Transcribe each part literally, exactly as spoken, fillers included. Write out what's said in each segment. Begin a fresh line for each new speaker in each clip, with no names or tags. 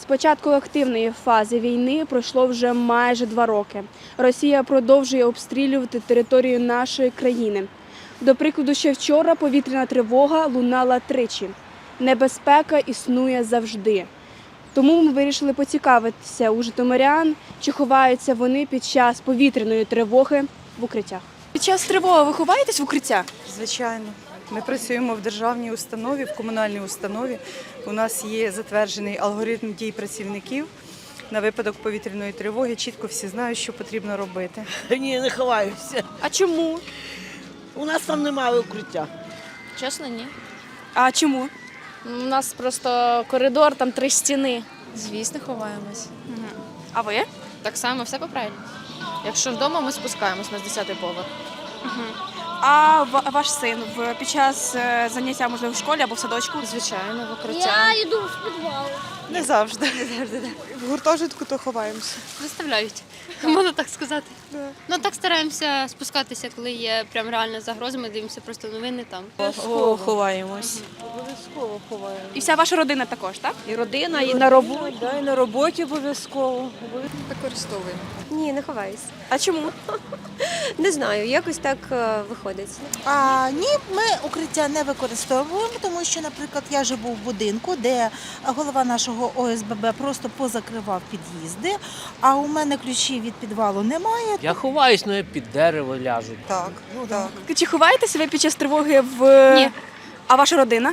З початку активної фази війни пройшло вже майже два роки. Росія продовжує обстрілювати територію нашої країни. До прикладу, ще вчора повітряна тривога лунала тричі. Небезпека існує завжди. Тому ми вирішили поцікавитися у житомирян, чи ховаються вони під час повітряної тривоги в укриттях. Під час тривоги ви ховаєтесь в укриття?
Звичайно. Ми працюємо в державній установі, в комунальній установі. У нас є затверджений алгоритм дій працівників. На випадок повітряної тривоги чітко всі знають, що потрібно робити.
Ні, не ховаюся.
А чому?
У нас там немає укриття.
Чесно, ні.
А чому?
У нас просто коридор, там три стіни. Звісно, ховаємось.
А ви?
Так само, все по-правильному. Якщо вдома, ми спускаємось на десятий поверх.
А ва- ваш син в- під час е, заняття, можливо, в школі або в садочку?
Звичайно, в укриття.
Я йду в підвал.
Не завжди. В гуртожитку то ховаємося.
Заставляють, можна так сказати. Ну так стараємося спускатися, коли є прям реальна загроза. Ми дивимося просто новини там.
Обов'язково ховаємось.
Обов'язково ховаємо.
І вся ваша родина також, так?
І родина, і на роботі. Да, і на роботі обов'язково.
Використовуємо.
Ні, не ховаюсь.
А чому?
Не знаю, якось так е, виходить.
А, ні, ми укриття не використовуємо, тому що, наприклад, я живу в будинку, де голова нашого О С Б Б просто позакривав під'їзди, а у мене ключів від підвалу немає.
Я ховаюсь, але я під дерево ляжу.
Так, ну так.
Чи ховаєтеся ви під час тривоги в...
Ні.
А ваша родина?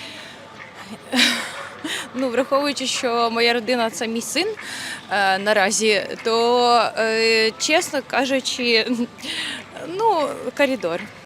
Ну, враховуючи, що моя родина це мій син е, наразі, то, е, чесно кажучи, ну, коридор.